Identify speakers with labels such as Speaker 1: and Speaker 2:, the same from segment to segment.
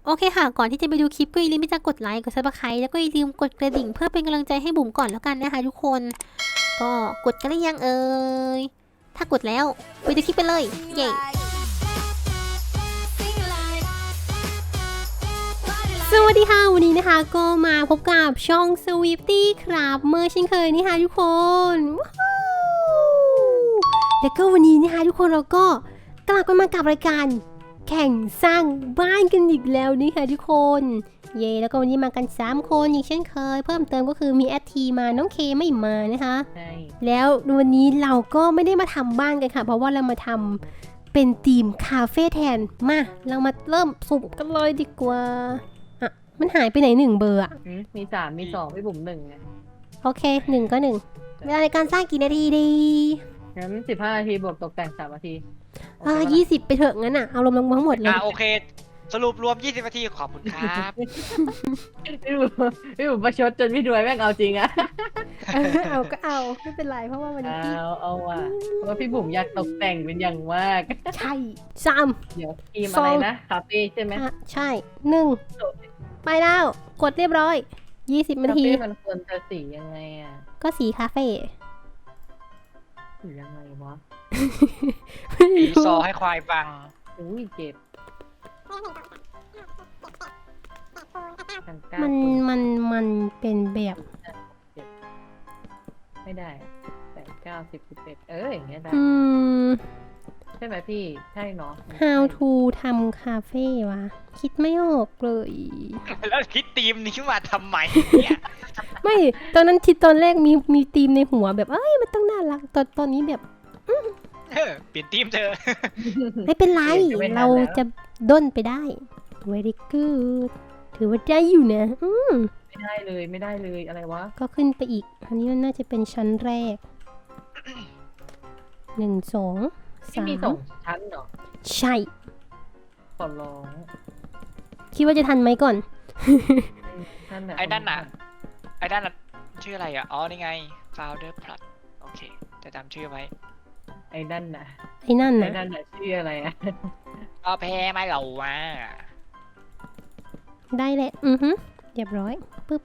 Speaker 1: โอเคค่ะก่อนที่จะไปดูคลิปก็อย่าลืมที่จะกดไลค์กดซับสไครต์แล้วก็อย่าลืมกดกระดิ่งเพื่อเป็นกำลังใจให้บุ๋มก่อนแล้วกันนะคะทุกคนก็กดกันหรือยังยถ้ากดแล้วไปดูคลิปไปเลยเย้สวัสดีค่ะวันนี้นะคะก็มาพบกับช่อง Swifty ครับเมื่อเช่นเคยนี่ค่ะทุกคนแล้วก็วันนี้นะคะทุกคนเราก็กลับมากับรายการแข่งสร้างบ้านกันอีกแล้วนี่ค่ะทุกคนเย่แล้วก็วันนี้มากัน3คนอีกเช่นเคยเพิ่มเติมก็คือมีแอดทีมาน้องเคไม่มานะคะ
Speaker 2: ใช่
Speaker 1: แล้ววันนี้เราก็ไม่ได้มาทำบ้านกันค่ะเพราะว่าเรามาทำเป็นธีมคาเฟ่แทนมาเรามาเริ่มสุ่มกันเลยดีกว่าอ่ะมันหายไปไหน1เบอร์อะ
Speaker 2: มี3 มี 2พี่บุ๋ม1ไง
Speaker 1: โอเค1ก็1เวลาในการสร้างกี่นาทีดี
Speaker 2: งั้น15 นาทีบวกตกแต่ง3 นาที
Speaker 1: 20ไปเถอะงั้นอ่ะเอาลงทั้งหมดเลย
Speaker 3: โอเค สรุปรวม 20 นาทีขอบคุณครับ
Speaker 2: พี่บุ๋มประชดจนพี่ดวยแม่งเอาจริงอะ
Speaker 1: เอาก็เอาไม่เป็นไรเพราะว่าวันนี้พี่
Speaker 2: เอาว่ะเพราะว่าพี่บุ๋มอยากตกแต่งเป็นอย่างมาก
Speaker 1: ใช่ซ้
Speaker 2: เดี๋ยวทีมอะไรนะคาเฟ่ใช่ไหม
Speaker 1: ำใช่1ไปแล้วกดเรียบร้อย20นา
Speaker 2: คา
Speaker 1: ที
Speaker 2: เฟ่มันควรจะสียังไงอะ
Speaker 1: ก็สีคาเฟ่
Speaker 2: สียังไงวะ
Speaker 3: ปีซอให้ควายฟัง
Speaker 2: อุ้ยเจ็บกันกล้า
Speaker 1: มัน
Speaker 2: คุณ
Speaker 1: มันมันเป็นแบบ
Speaker 2: ไม่ได้8 9 10 11อย่างเงี้ยได้
Speaker 1: ม
Speaker 2: ใช่ไหมพี่ใช่เนาะ
Speaker 1: how to ทำคาเฟ่วะคิดไม่ออกเลย
Speaker 3: แล้วคิดทีมนี้มาทำไมเนี่ย
Speaker 1: ไม่ตอนนั้นคิดตอนแรกมีธีมในหัวแบบเอ้ยมันต้องน่ารักตอนนี้แบบ
Speaker 3: เปลี่ยนทีมเธอ
Speaker 1: ไม่เป็นไร เราจะด้นไปได้ very good ถือว่าได้อยู่นะ
Speaker 2: ไม่ได้เลยอะไรวะ
Speaker 1: ก็ขึ้นไปอีก อันนี้มันน่าจะเป็นชั้นแรก 1 2
Speaker 2: ที่มี2
Speaker 1: 3
Speaker 2: ชั้นเหรอ
Speaker 1: ใช่
Speaker 2: ขอร้อง
Speaker 1: คิดว่าจะทันไหมก่อน
Speaker 3: ไอ้ด้านน่ะชื่ออะไรอ่ะ อ๋อ นี่ไง Founder Plus โอเค จะจำชื่อไว้
Speaker 2: ไอ้นั่นน่ะ
Speaker 1: ไอ้นั่น
Speaker 2: ไอ้
Speaker 1: นะ
Speaker 2: นั่นน่ะชื่ออะไรอะ
Speaker 3: ก็แพ้ไม่เหล่าว่า
Speaker 1: ได้แหละเรียบร้อยปึ๊บ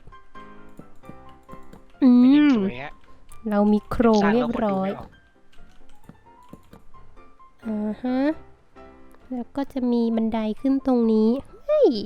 Speaker 3: ไม่ได้สวยฮะ
Speaker 1: เรามีโครง
Speaker 3: สร้าง
Speaker 1: เรี
Speaker 3: แล้
Speaker 1: ยว บ
Speaker 3: คนดู
Speaker 1: ร้อย
Speaker 3: ไม่ออก
Speaker 1: แล้วก็จะมีบันไดขึ้นตรงนี้ เฮ้ย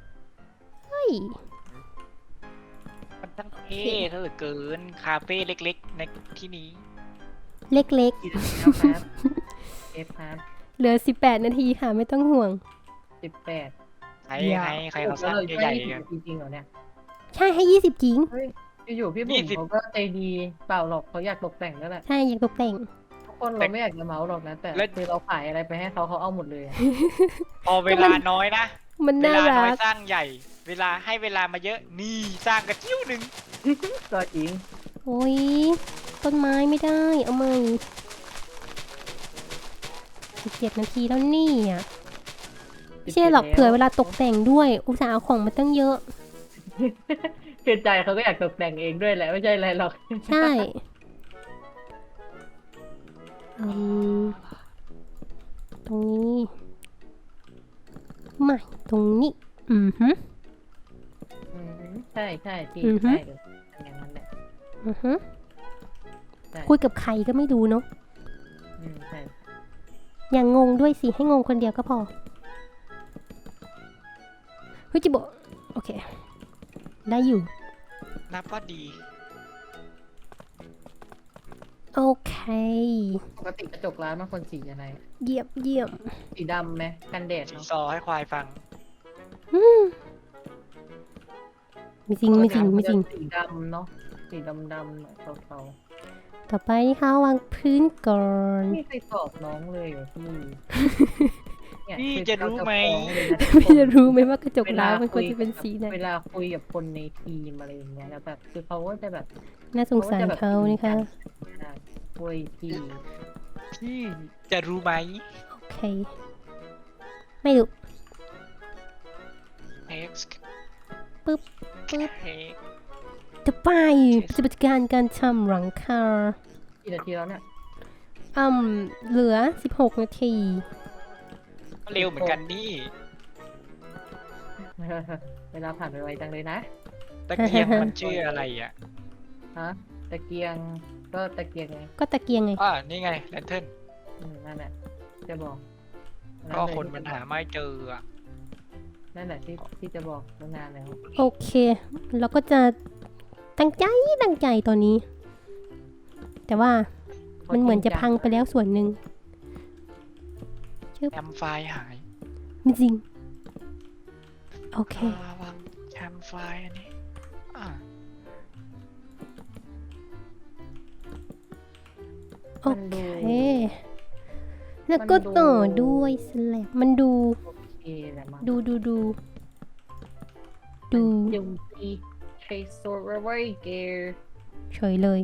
Speaker 3: มันตั้งเท่เธอเกิน คาเฟ่เล็กๆ ในที่นี้
Speaker 1: เล็ก
Speaker 2: กี่นาทีแล้วครับเอฟครับ
Speaker 1: ๆ เหลือ18นาทีค่ะไม่ต้องห่วง
Speaker 2: 18
Speaker 3: ใครเขาสร้างใหญ่ๆกัน
Speaker 2: จริงๆเหรอเนี่ย
Speaker 1: ใช่ให้20จริง
Speaker 2: เฮ้ยอยู่ๆพี่บุ๋ม
Speaker 3: 20
Speaker 2: เขาก็ใจดีเปล่าหรอกเขาอยากตกแต่งนั่นแหละ
Speaker 1: ใช่อยากตกแต่ง
Speaker 2: ทุกคนเราไม่อยากจะเมาส์หรอกนะแต่คือเราขายอะไรไปให้เขาเอาหมดเลยอะ
Speaker 3: พอเวลาน้อยนะ
Speaker 1: มัน
Speaker 3: เว
Speaker 1: น่า
Speaker 3: ลา
Speaker 1: รั
Speaker 3: น้อย
Speaker 1: ก
Speaker 3: สร้างใหญ่ เวลาให้เวลามาเยอะ นี่สร้างกระจิ้วหนึ่ง
Speaker 2: ก็จริง
Speaker 1: โอ้ยต้นไม้ไม่ได้ เอาใหม่17นาทีแล้วนี่อ่ะไม่ใช่หรอกเผื่อเวลาตกแต่งด้วย อุตส่าห์เอาของมาตั้งเยอะ
Speaker 2: คือใจเขาก็อยากตกแต่งเองด้วยแหละไม่ใช่อะไรหรอก
Speaker 1: ใช่ตรงนี้ไม่ตรงนี้
Speaker 2: ใช่พี่
Speaker 1: อือฮึ
Speaker 2: ใช่เลยอย่างนั้นแหละ ใช่
Speaker 1: คุยกับใครก็ไม่รู้เนาะ
Speaker 2: ใช่
Speaker 1: อย่างงงด้วยสิ ให้งงคนเดียวก็พอเฮ้ยจิโบะโอเค ได้อยู่
Speaker 3: นับว่าดี
Speaker 1: โอเค
Speaker 2: ปกติกระจกร้านมันคนสีอะไร
Speaker 1: เยี่ยม
Speaker 2: สีดำไหมกันแดด
Speaker 3: สี
Speaker 2: เนาะ
Speaker 3: ซอให้ควายฟัง
Speaker 1: ไม่จริง
Speaker 2: สีดำเนาะสีดำหน่อยเทา
Speaker 1: ต่อไปนี่ค่ะวางพื้นก่อน
Speaker 2: ๆไม่เคยสอบน้องเลยเหรอพี่เนี่ย
Speaker 3: พี่จะรู้ไหม
Speaker 1: พี่จะรู้ไหมว่ากระจกร้าวมันควรจะเป็นสีไหน
Speaker 2: เวลาคุยกับคนในทีมอะไรอย่างเงี้ยแล้วแบบคือเขาก็จะแบบ
Speaker 1: น่าสงสารเขานี่ค่ะ
Speaker 2: คุยที
Speaker 3: พี่จะรู้ไหม
Speaker 1: โอเค ไม่รู้
Speaker 3: X
Speaker 1: ปึ๊บ
Speaker 3: X
Speaker 1: ต่อไปปฏิบัติการทำหลังคา
Speaker 2: กี่นาทีแล้วเนี่ย
Speaker 1: เหลือ16นาที
Speaker 3: ก็เร็วเหมือนกันนี่
Speaker 2: เวลาผ่านไปไวจังเลยนะ
Speaker 3: ตะเกียงมันชื่ออะไรอ่ะ
Speaker 2: ฮะตะเกียงก็ตะเกียงไง
Speaker 1: ก็ตะเกียงไง
Speaker 3: นี่ไงแลนเทิร์น
Speaker 2: นั่นแหละจะบอก
Speaker 3: ก็คนมันหาไม่เจออ่ะ
Speaker 2: นั่นแหละที่จะบอกตั้งนานแล้ว
Speaker 1: โอเค เราก็จะตั้งใจตอนนี้ แต่ว่ามันเหมือนจะพังไปแล้วส่วนหนึ่ง
Speaker 3: แอมไฟหาย
Speaker 1: ไม่จริง โอเค
Speaker 3: ระวังแอมไฟอันนี้อ่า
Speaker 1: โอเค แล้วก็ต่อด้วยสแลบมันดู
Speaker 2: โอเคแหละมั้ง
Speaker 1: ดู
Speaker 2: ยุงตีเทรโซเวอร์เกอร์
Speaker 1: เฉยเลย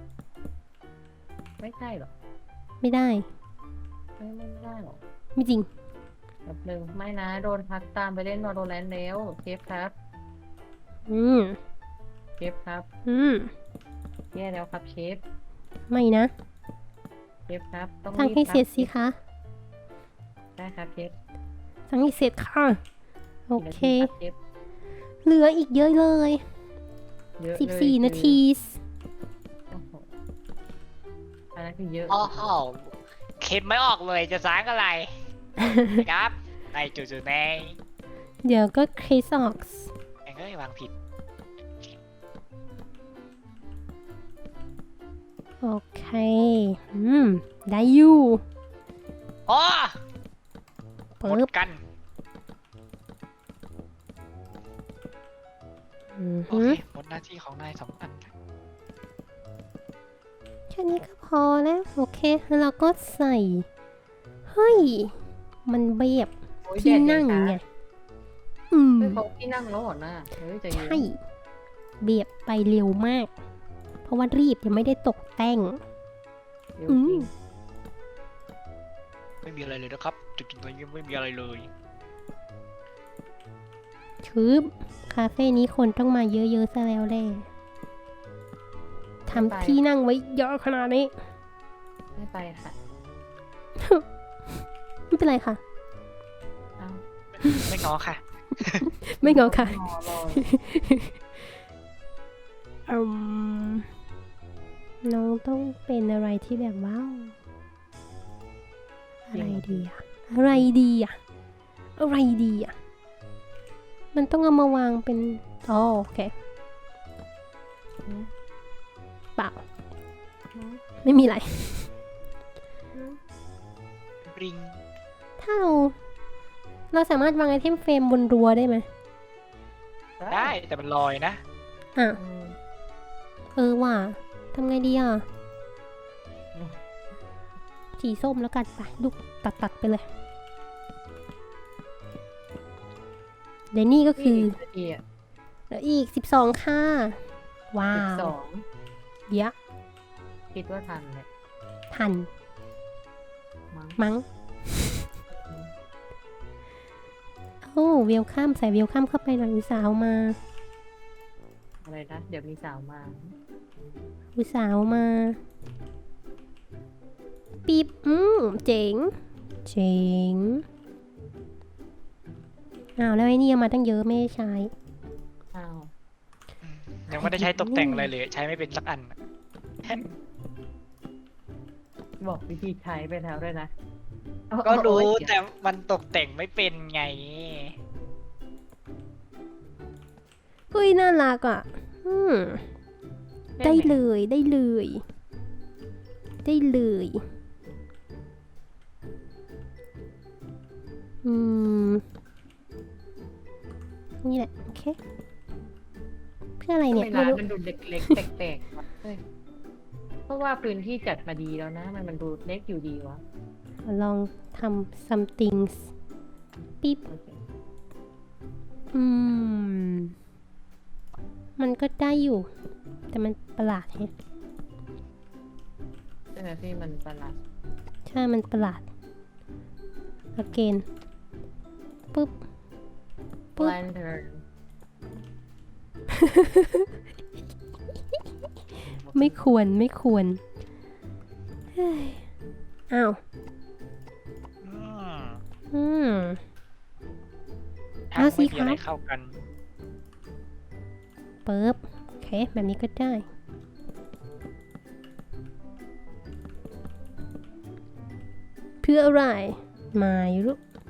Speaker 2: ไม่ใช่หรอ
Speaker 1: ไม่ได้
Speaker 2: ไม่ได้หรอ
Speaker 1: ไม่จริง
Speaker 2: แบบหนึ่งไม่นะโดนพักตามไปเล่นวอลโลแรนต์แล้วเชฟครับ
Speaker 1: อืม
Speaker 2: เชฟครับ
Speaker 1: อืม
Speaker 2: แย่แล้วครับเชฟ
Speaker 1: ไม่นะ
Speaker 2: เชฟครับต้อง
Speaker 1: สั่งให้
Speaker 2: บ
Speaker 1: เสร็จสิคะ
Speaker 2: ได้ครับเชฟ
Speaker 1: สั่งให้เสร็จค่ะ โอเค
Speaker 2: กี่นาทีครับเชฟ
Speaker 1: เหลืออีกเยอะเลย
Speaker 2: เยอะเลย
Speaker 1: 14 นาที
Speaker 2: โอ้โหอันนั้นคือเยอะ
Speaker 3: โอ้โหคิดไม่ออกเลยจะสร้างอะไร ครับในจุดๆใน
Speaker 1: เดี๋ยวก็คริสออกส์
Speaker 3: แองเอ้ยวางผิด
Speaker 1: โอเค ได้อยู่
Speaker 3: โอ้หม
Speaker 1: ปึ๊
Speaker 3: ด
Speaker 1: บ
Speaker 3: กัน โอเคหมดหน้าที่ของนาย2 อันครับ
Speaker 1: แค่นี้ก็พอแล้ว โอเค แล้วเราก็ใส่ เฮ้ย มันแบบ
Speaker 2: โอ้ย
Speaker 1: ที่
Speaker 2: แดด
Speaker 1: นั่ง
Speaker 2: เย็
Speaker 1: ไง
Speaker 2: นะ
Speaker 1: อืม
Speaker 2: เฮ้ยเขาที่นั่งแล้วเหรอหน้าเฮ้ยใจเย็น
Speaker 1: ใช่เบียบไปเร็วมาก เพราะว่ารีบยังไม่ได้ตกแต่ง
Speaker 2: เร็วจริง
Speaker 3: ไม่มีอะไรเลยนะครับ จุดๆตรงนี้ไม่มีอะไรเลย
Speaker 1: ชืบคาเฟ่นี้คนต้องมาเยอะๆซะแล้วแหละทำที่นั่งไว้เยอะขนาดนี้
Speaker 2: ไม่ไปค่ะ
Speaker 1: ไม่เป็นไรค่ะ
Speaker 2: เอา
Speaker 3: ไม่ง้อค่ะ
Speaker 1: ไม่งอค่ะ
Speaker 2: รอรอ
Speaker 1: อืมน้องต้องเป็นอะไรที่แบบว้าวอะไรดีอะอะไรดีอะอะไรดีอะมันต้องเอามาวางเป็นอ๋อโอเคเปล่าไม่มีอะไร
Speaker 3: ริง
Speaker 1: ถ้าเราสามารถวางไอเทมเฟรมบนรั้วได้ไหม
Speaker 3: ได้แต่มันลอยนะ
Speaker 1: อ่ะ
Speaker 2: อืม
Speaker 1: ว่ะทำไงดีอ่ะสีส้มแล้วกันไปลูกตัดไปเลยเดี๋ยวนี่ก็คือ
Speaker 2: นาทีอ่ะ
Speaker 1: แล้วอีก12ค่ะว้า
Speaker 2: 12
Speaker 1: วเดี๋ยว
Speaker 2: คิดว่าทันเนี่ย
Speaker 1: ทัน
Speaker 2: มั้ง
Speaker 1: มั้งโอ้เวลคัมใส่เวลคัมเข้าไปหน่อยอุตสาวมา
Speaker 2: อะไรนะ เดี๋ยวมีสาวมา
Speaker 1: อุตสาวมาปีบเจ๋งเจ๋งอ้าวแล้วไอ้นี่เอามาตั้งเยอะไม่ได้ใช้
Speaker 2: อ้าว
Speaker 3: ยังไม่ได้ใช้ตกแต่งอะไรเลย ใช้ไม่เป็นสักอัน
Speaker 2: บอกวิธีใช้ไปแล้วด้วยนะเอา
Speaker 3: ก็รู้
Speaker 2: เอา
Speaker 3: แต่มันตกแต่งไม่เป็นไง
Speaker 1: เฮ้ยน่ารักอ่ะได้เลยได้เลยได้เลยนี่แหละโอเคเพื่ออะไร
Speaker 2: ทำ
Speaker 1: เนี่
Speaker 2: ไม
Speaker 1: ย
Speaker 2: ร้า
Speaker 1: ไม่
Speaker 2: น
Speaker 1: รู้
Speaker 2: มันดูเล็กๆแตกๆวะเฮ้ยเพราะว่าพื้นที่จัดมาดีแล้วนะ มันดูเล็กอยู่ดีวะ
Speaker 1: ลองทำ something ปิ๊บ
Speaker 2: โอเค
Speaker 1: มันก็ได้อยู่ แต่มันประหลาดแฮะ
Speaker 2: ใช่ไหมพี่มันประหลาด
Speaker 1: ใช่มันประหลาด again ปุ๊บ ปุ๊บ
Speaker 2: lantern
Speaker 1: ไม่ควรเฮ้ยอ้าว
Speaker 3: อืม
Speaker 1: อ
Speaker 3: ทั้งไม่มีอะไรเข้ากัน
Speaker 1: เปิบโอเค แบบนี้ก็ได้ เพื่ออะไรไม่รู้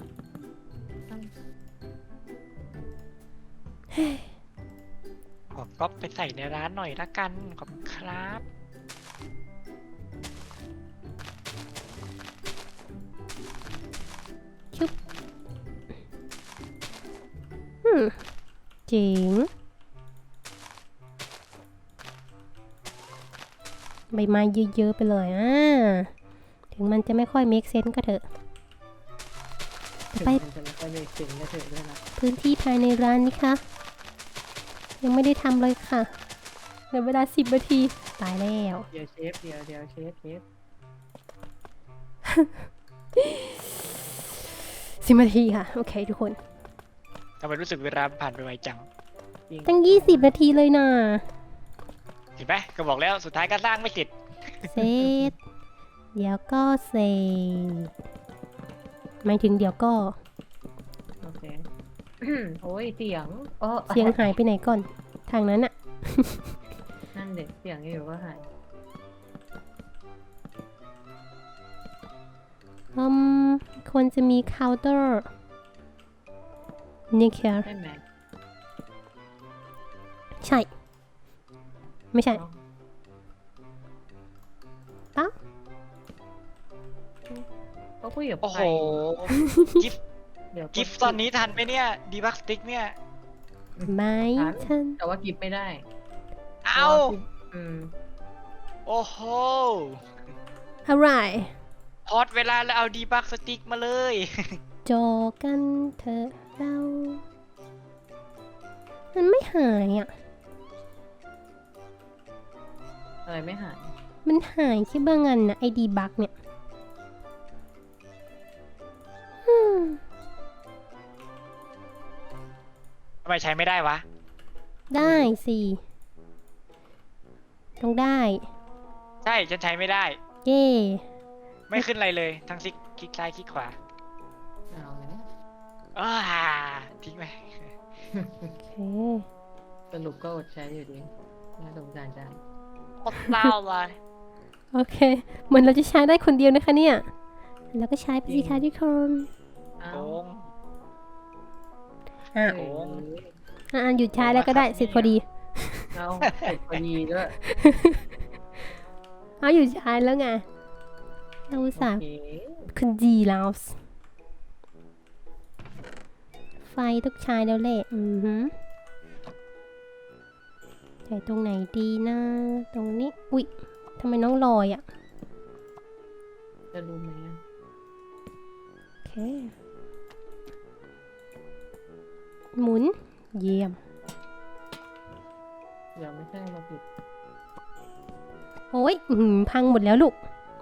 Speaker 3: ขอก๊อปไปใส่ในร้านหน่อยละกันขอบคุณครับ
Speaker 1: เจ๋งใบไม้เยอะๆไปเลยถึงมันจะไม่ค่อย make sense ก็เถอะ ไป
Speaker 2: มันจะไม่ค่อยได้ถึงก็เถอะด้วยนะ
Speaker 1: พื้นที่ภายในร้านนี้ค่ะ ยังไม่ได้ทำเลยค่ะเหลือเวลา10 นาที ตายแล้ว
Speaker 2: เดี๋ยวเชฟเดี๋ยวเชฟ
Speaker 1: 10 นาทีค่ะ โอเคทุกคน
Speaker 3: ทำไมรู้สึกเวลาผ่านไปไวจัง
Speaker 2: จริง
Speaker 1: ตั้ง20 นาทีเลยนะ
Speaker 3: เห็นไหมก็บอกแล้วสุดท้ายก็สร้างไม่เสร็จ
Speaker 1: เสร็จ เดี๋ยวก็เสร็จหมายถึงเดี๋ยวก็
Speaker 2: โอเค โอ้ยเสียงอ๋อ
Speaker 1: เสียงหายไปไหนก่อน ทางนั้นอะ
Speaker 2: นั่นเด็กเสียงอยู่ก็หาย
Speaker 1: ควรจะมีเคาน์เตอร์นี่แค่
Speaker 2: ใช่ไหม
Speaker 1: ใช่ ไม่ใช่
Speaker 2: เอ้าเขาคุยกับ
Speaker 3: โอ้
Speaker 2: ใค
Speaker 3: โห
Speaker 2: ร
Speaker 3: กิฟ
Speaker 2: เดี๋ยว
Speaker 3: กิฟตอนนี้ทันไหมเนี่ยดีบักสติ๊กเนี่ย
Speaker 1: ไม่ทัน
Speaker 2: แต่ว่ากิฟไม่ได้
Speaker 3: เอ้า
Speaker 2: อืม
Speaker 3: โอ้โห
Speaker 1: อะไร
Speaker 3: พอดเวลาแล้วเอาดีบักสติ๊กมาเลย
Speaker 1: จอกันเถอะเรา มันไม่หายอ่ะ
Speaker 2: อะไรไม่หาย
Speaker 1: มันหายแค่บางอันนะไอดีบักเนี่ยอืม
Speaker 3: ทำไมใช้ไม่ได้วะ
Speaker 1: ได้สิต้องได้
Speaker 3: ใช่ฉันใช้ไม่ได้
Speaker 1: เย่
Speaker 3: ไม่ขึ้นอะไรเลยทั้งคลิกซ้ายคลิกขวา
Speaker 2: เอาแล้ว
Speaker 3: อ้าทิ้งไป
Speaker 1: โอเค
Speaker 2: สรุปก็อดใช้อยู่ดีน่าสงสารจัง
Speaker 3: โคตรเศร้าเลย
Speaker 1: โอเค เหมือนเราจะใช้ได้คนเดียวนะคะเนี่ย แล้วก็ใช้ไปสิคะทุกคน
Speaker 2: เอา
Speaker 3: โกง
Speaker 1: อ่ะ
Speaker 2: เอ้ย
Speaker 1: หยุดใช้แล้วก็ได้เสร็จพอดี
Speaker 2: เอาเสร็จพอดีด้วย
Speaker 1: หยุดใช้แล้วไงเราอุต
Speaker 2: โอ
Speaker 1: ส่าห์
Speaker 2: เค
Speaker 1: คุณดีแล้ว ไฟต้องใช้แล้วแหละใส่ตรงไหนดีนะ ตรงนี้ อุ๊ยทำไมน้องลอยอ่ะ
Speaker 2: จะรู้ไหมอะ
Speaker 1: โอเค หมุน เยี่ยม
Speaker 2: เดี๋ยวไม่ใช่เราผิด
Speaker 1: โอ้ยพังหมดแล้วลูก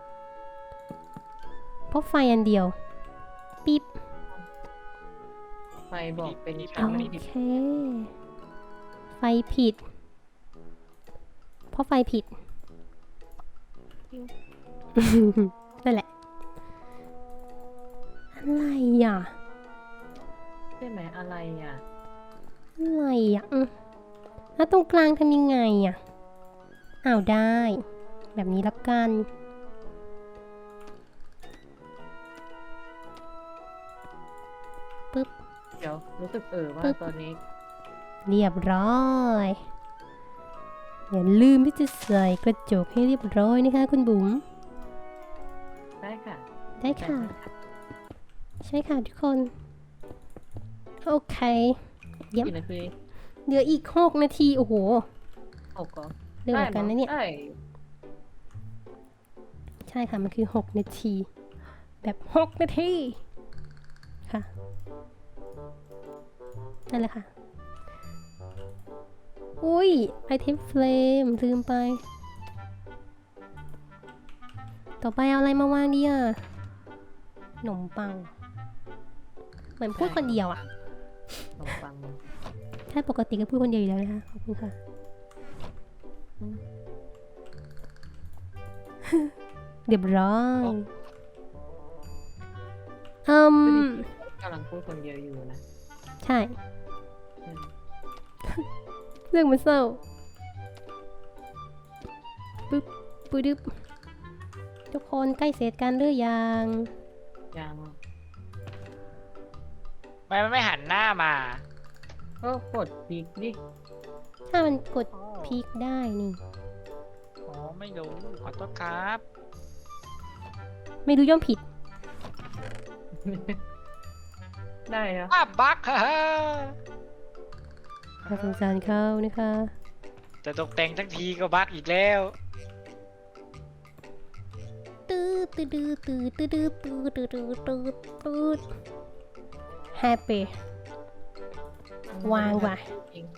Speaker 1: เพราะไฟอันเดียว ปิ๊บ
Speaker 2: ไฟบอกเป็น
Speaker 1: โอ
Speaker 2: ชั้นไม่ผิด
Speaker 1: เค ไฟผิด เพราะไฟผิด นั่นแหละ อะไรอ่ะ
Speaker 2: ใช่ไหมอะไรอ่ะ
Speaker 1: อะไรอ่ะแล้วตรงกลางทำยังไงอ่ะอ้าวได้ แบบนี้ละกัน ปึ๊บ
Speaker 2: เดี๋ยวรู้สึกว่า
Speaker 1: ปึ๊บ
Speaker 2: ตอนนี้
Speaker 1: เรียบร้อย อย่าลืมที่จะใส่กระจกให้เรียบร้อยนะคะคุณบุ๋ม
Speaker 2: ได้ค่ะ
Speaker 1: ได้ค่ะ ใช่ค่ะทุกคน โอเค เยี่ยม
Speaker 2: กี่นาที
Speaker 1: เหลืออีก6 นาที โอ้โห
Speaker 2: 6ก่อน
Speaker 1: เร็วเหมือนกันนะเนี่ย
Speaker 2: ได้
Speaker 1: ใช่ค่ะ มันคือ6 นาที แบบ6 นาที ค่ะ นั่นแหละค่ะ อุ้ยไอเทมเฟลมลืมไป ต่อไปเอาอะไรมาวางดีอ่ะขนมปัง เหมือนพูดคนเดียวอ่ะ
Speaker 2: ขนมปัง
Speaker 1: ถ้าปกติก็พูดคนเดียวอยู่แล้วนะคะ ขอบคุณค่ะ เรียบร้อยอืม
Speaker 2: กำลังพูดคนเดียวอยู่นะ
Speaker 1: ใช่
Speaker 2: อืม
Speaker 1: เรื่องมันเศร้าปึ๊บปึ๊บทุกคนใกล้เสร็จกันหรือยัง
Speaker 2: ยัง
Speaker 3: มันไม่หันหน้ามา
Speaker 2: ก็กดคลิกดิ
Speaker 1: ถ้ามันกดพลิกได้นี่
Speaker 3: อ๋อไม่รู้ขอโทษครับ
Speaker 1: ไม่รู้ย่อมผิด
Speaker 2: ได้เหรอ
Speaker 3: อ้าบักฮ่าฮ่า
Speaker 1: ถ้าสงสารเขานะคะ
Speaker 3: จะตกแต่งทั้งทีก็บักอีกแล้ว
Speaker 1: ตื้อตื้อตื้อตื้อตื้อตื้อตื้อตื้อตื้อตื้อแฮปปี้ วางว่ะ
Speaker 2: จริง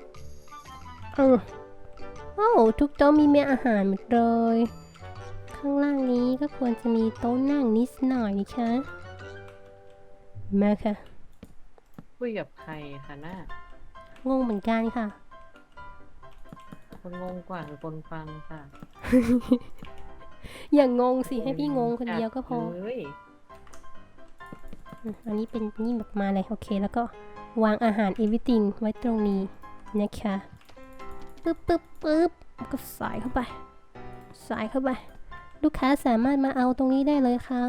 Speaker 1: โอ้ทุกโต๊ะมีเมนูอาหารหมดเลย ข้างล่างนี้ก็ควรจะมีโต๊ะนั่งนิดหน่อยนะคะมาค่ะ
Speaker 2: คุยกับใครคะหน้าง
Speaker 1: งเหมือนกันค่ะ
Speaker 2: คนงงกว่าคือคนฟังค่ะ
Speaker 1: อย่างงงสิให้พี่งงคนเดียวก็พอ
Speaker 2: เฮ้ย
Speaker 1: อันนี้เป็นนี่แบบมาเลยโอเคแล้วก็วางอาหาร everything ไว้ตรงนี้นะคะปึ๊บปึ๊บปึ๊บก็ใส่เข้าไปใส่เข้าไป ลูกค้าสามารถมาเอาตรงนี้ได้เลยค่ะ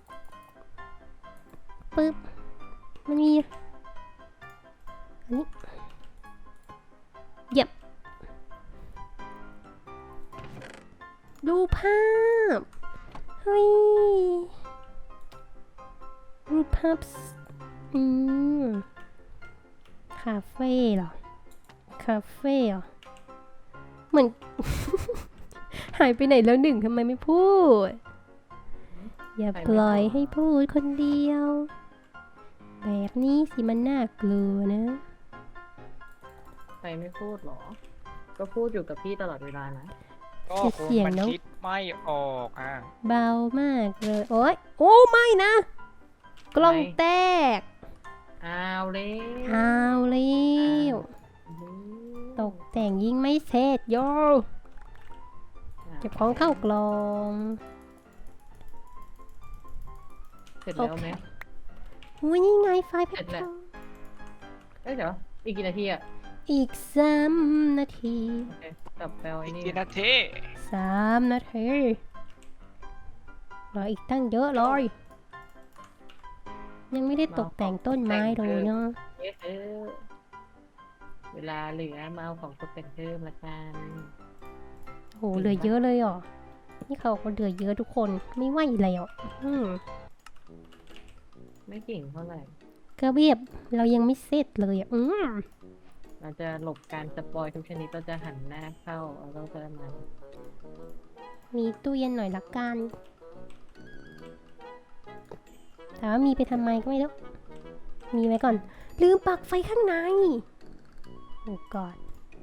Speaker 1: ปึ๊บมันมีอันนี้เย็บดูภาพเฮ้ยรูปภาพคาเฟ่เหรอ คาเฟ่เหรอ เหมือน หายไปไหนแล้วหนึ่งทำไมไม่พูด อย่าปล่อยให้พูดคนเดียว แบบนี้สิมันน่ากลัวนะ
Speaker 2: ใครไม่พูดหรอ ก็พูดอยู่กับพี่ตลอดเวลานะ
Speaker 3: ก็ค
Speaker 1: เสียง
Speaker 3: มัน
Speaker 1: เนอะ
Speaker 3: คิดไม่ออกอ่ะ
Speaker 1: เบามากเลย โอ๊ย โอ้ไม่นะ กล้องแตก
Speaker 2: อ้าวเลย
Speaker 1: เอาแล้วตกแต่งยิ่งไม่เสร็จโยเก็บของเข้ากล่อง
Speaker 2: เสร็จแล้วไหม
Speaker 1: อุ้ยนี่ไงไฟล์แพ็
Speaker 2: เสร็
Speaker 1: ค
Speaker 2: จแล้ว เอ้ยเดี๋ยวอีกกี่นาทีอะ
Speaker 1: อีก3 นาที
Speaker 2: โอเคกลับแปลไอ้
Speaker 3: อีก
Speaker 2: นี่
Speaker 3: กี่นาที
Speaker 1: 3 นาทีรออีกตั้งเยอะเลยยังไม่ได้ตกแต่งต้นไม้เลยเนาะ
Speaker 2: เออเวลาเหลือมาเอาของตกแต่งเพิ่มละกัน
Speaker 1: โหเหลือเยอะเลยเหรอนี่เขาก็เหลือเยอะทุกคนไม่ไหวแล้ว
Speaker 2: ไม่เก่งเท่าไหร่
Speaker 1: ก็เบียบเรายังไม่เสร็จเลยอ่ะ
Speaker 2: เราจะหลบการสปอยทุกชนิดเราจะหันหน้าเข้าแล้วเราจะมา
Speaker 1: มีตู้เย็นหน่อยละกันแต่ว่ามีไปทำไมก็ไม่รู้มีไว้ก่อน ลืมปลั๊กไฟข้างในโอ้กอด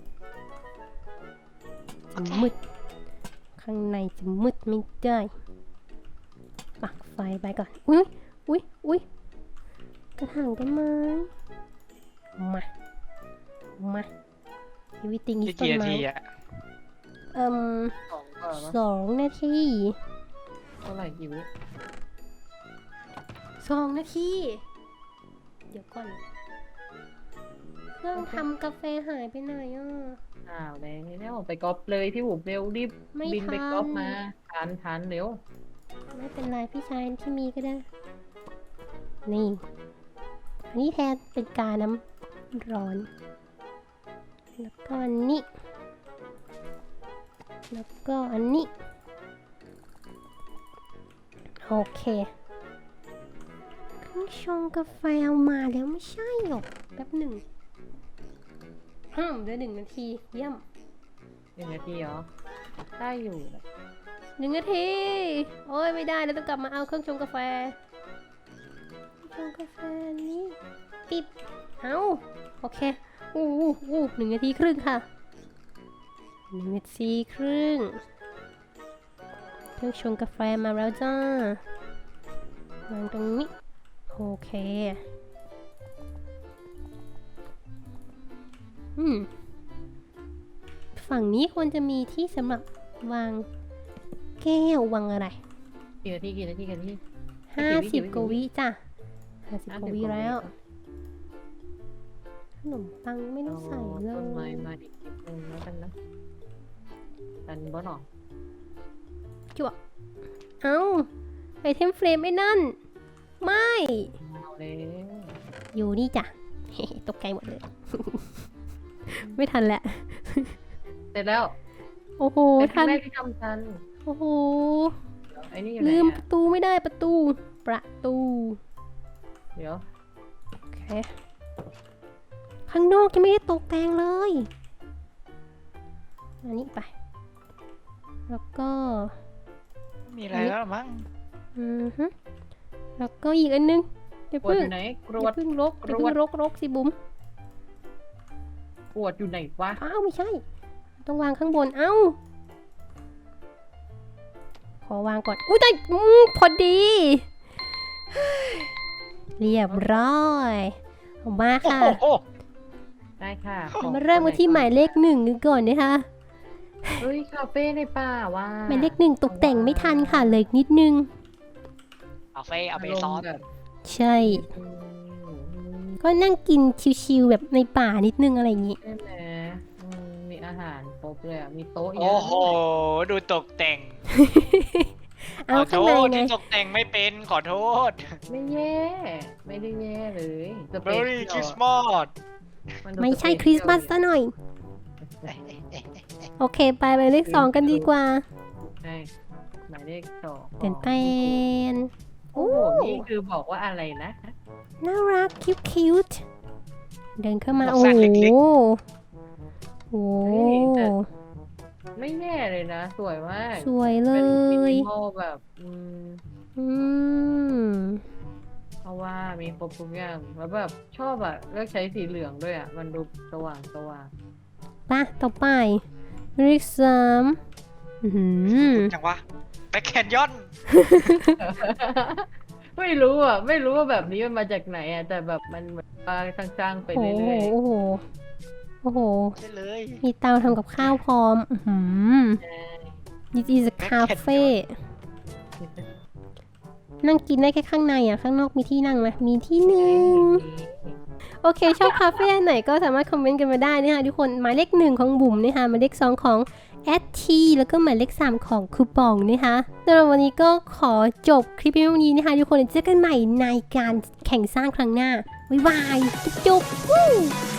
Speaker 1: จะมืดข้างในจะมืดไม่ได้ปลั๊กไฟไปก่อนอุ้ยกระถางต้นไม้มาวิติง
Speaker 3: อี
Speaker 1: อี
Speaker 3: ก
Speaker 1: ต้น
Speaker 3: กี่นา
Speaker 1: ไม้
Speaker 3: ทีอ่ะ
Speaker 2: ของก็ว่า
Speaker 1: 2 นาที
Speaker 2: เท่าไหร่กี่วิ
Speaker 1: 2 นาที เดี๋ยวก่อน เครื่องทำกาแฟหายไปไหนอ่ะ
Speaker 2: อ้าวแล้วไปก๊อปเลยพี่บุ๋มเร็วรีบ
Speaker 1: ไม่
Speaker 2: บินไป
Speaker 1: ทัน
Speaker 2: ก๊อปมาทันเร็ว
Speaker 1: ไม่เป็นไรพี่ชายที่มีก็ได้ นี่ อันนี้แทนเป็นกาน้ำร้อน แล้วก็อันนี้ แล้วก็อันนี้ โอเคเครื่องชงกาแฟเอามาแล้วไม่ใช่หรอกแป๊บหนึ่งเหลือ1 นาทีเยี่ยม
Speaker 2: 1 นาทีเหรอได้อยู่
Speaker 1: 1 นาที โอ้ยไม่ได้แล้วต้องกลับมาเอาเครื่องชงกาแฟชงกาแฟนี้ปิดเอาโอเค1 นาทีครึ่งค่ะ1 นาทีครึ่งเครื่องชงกาแฟมาแล้วจ้าวางตรงนี้โอเคฝั่งนี้ควรจะมีที่สำหรับวางแก้ววางอะไร
Speaker 2: กี่นาทีกันที่
Speaker 1: 50 กว่าวิจ้ะ50 กว่าวิแล้วนมปังไม่ได้ใส่เล
Speaker 2: ต้นไม้
Speaker 1: ย
Speaker 2: มาอีกนิดนึงแล้วกันนะดันบ่หรอ
Speaker 1: เอ้าไอเทมเฟรมไอ้นั่น ไม่
Speaker 2: เอาเลย
Speaker 1: อยู่นี่จ้ะ ตกใจหมดเลย ไม่ทันแหละ
Speaker 2: เสร็จแล้ว
Speaker 1: โอ้โห
Speaker 2: เป็นค
Speaker 1: ทั
Speaker 2: รั้
Speaker 1: น
Speaker 2: งแรกที่ทำทัน
Speaker 1: โอ้โห
Speaker 2: ไอ้นี่อยู่ไหน
Speaker 1: ลืมป
Speaker 2: อะ
Speaker 1: ระตูไม่ได้ประตู
Speaker 2: เดี๋ยว
Speaker 1: โอเค ข้างนอกยังไม่ได้ตกแต่งเลย อันนี้ไป แล้วก็
Speaker 3: มีอะไรแล้วหรอมั้ง
Speaker 1: แล้วก็อีกอันนึงเดี๋ยว
Speaker 2: กรวด
Speaker 1: พึ่
Speaker 2: อง ยู่ไหนกร
Speaker 1: อ
Speaker 2: วด
Speaker 1: ย่าพึ่งรก
Speaker 2: ก
Speaker 1: อย่าร
Speaker 2: ว
Speaker 1: พึ่
Speaker 2: ด
Speaker 1: งรกสิบุ๋ม
Speaker 2: กรวดอยู่ไหนวะ
Speaker 1: อ้าวไม่ใช่ ต้องวางข้างบน เอ้า ขอวางก่อน อุ้ยแต่พอดี เรียบร้อยเอามา
Speaker 3: โอ้
Speaker 1: ค่ะ
Speaker 3: โห
Speaker 2: ได้ค่ะ
Speaker 1: มาเริ่มกันที่หมายเลข1กันก่อนนะคะ
Speaker 2: เฮ้ยคาเฟ่ในป่าว่ะ
Speaker 1: หมายเลข1ตกแต่งไม่ทันค่ะเลยอีกนิดนึง
Speaker 3: เอาเฟ่เอาเบซอน
Speaker 2: แบบ
Speaker 1: ใช่ ก็นั่งกินชิวๆแบบในป่านิดนึงอะไรอย่างงี้
Speaker 2: ใช่ไหมมีอาหารครบเลยอ่ะ มีโต๊ะเย
Speaker 3: โอ้
Speaker 2: อะ
Speaker 3: โห ดูตกแต่ง
Speaker 1: เอา
Speaker 3: ขอโท
Speaker 1: ข้างใน
Speaker 3: ษ
Speaker 1: ไง
Speaker 3: ที่ตกแต่งไม่เป็นขอโทษ
Speaker 2: ไม่แย่ ไม่ได้แย่เลยสเปซ
Speaker 3: Merry Christmas
Speaker 2: นดู
Speaker 1: ไม่ใช่
Speaker 2: สเป
Speaker 1: คริสต์มาสซะหน่อย โอเค ไปหมายเลข2กันดีกว่า
Speaker 2: ใช่หมายเลข2
Speaker 1: เต้นเต้น
Speaker 2: โอ้โหนี่คือบอกว่าอะไรนะ
Speaker 1: น่ารักคิวๆเดินเข้ามา
Speaker 3: ดอก
Speaker 1: โอ้
Speaker 3: สัน
Speaker 1: โห
Speaker 3: เล็ก
Speaker 1: โอ้
Speaker 2: เฮ้ยแต่ ไม่แย่เลยนะ สวยมาก
Speaker 1: สวยเล
Speaker 2: เป็นมิ
Speaker 1: ย
Speaker 2: นิมอลแบบ
Speaker 1: อืม
Speaker 2: เพราะว่ามีครบทุกอย่างแล้วแบบชอบอะเลือกใช้สีเหลืองด้วยอะมันดูสว่างสว่าง
Speaker 1: ป่ะ ต่อไปหมายเลข3อื้อหือ
Speaker 3: จังวะแบ็คแคนยอน
Speaker 2: ไม่รู้อ่ะ ไม่รู้ว่าแบบนี้มันมาจากไหนอ่ะ แต่แบบมันเหมือนว่าสร้างๆไป
Speaker 1: โอ้โห
Speaker 2: เรื่อย
Speaker 1: โอ้โห โอ้โห
Speaker 3: ใช่เลย
Speaker 1: มีเตาทำกับข้าวพร้อม อื้อหือ
Speaker 2: ๆ
Speaker 1: This is a cafe นั่งกินได้แค่ข้างในอ่ะ ข้างนอกมีที่นั่งไหมมีที่หนึ่ง โอเค ชอบคาเฟ่อันไหนก็สามารถคอมเมนต์กันมาได้นะคะทุกคน หมายเลข1ของบุ๋มนะคะหมายเลข2ของแอดทีแล้วก็หมายเลข3ของคูปองนะคะสำหรับวันนี้ก็ขอจบคลิปเพียงเท่านี้นะคะทุกคนเจอกันใหม่ในการแข่งสร้างครั้งหน้า บ๊ายบาย จุ๊บๆ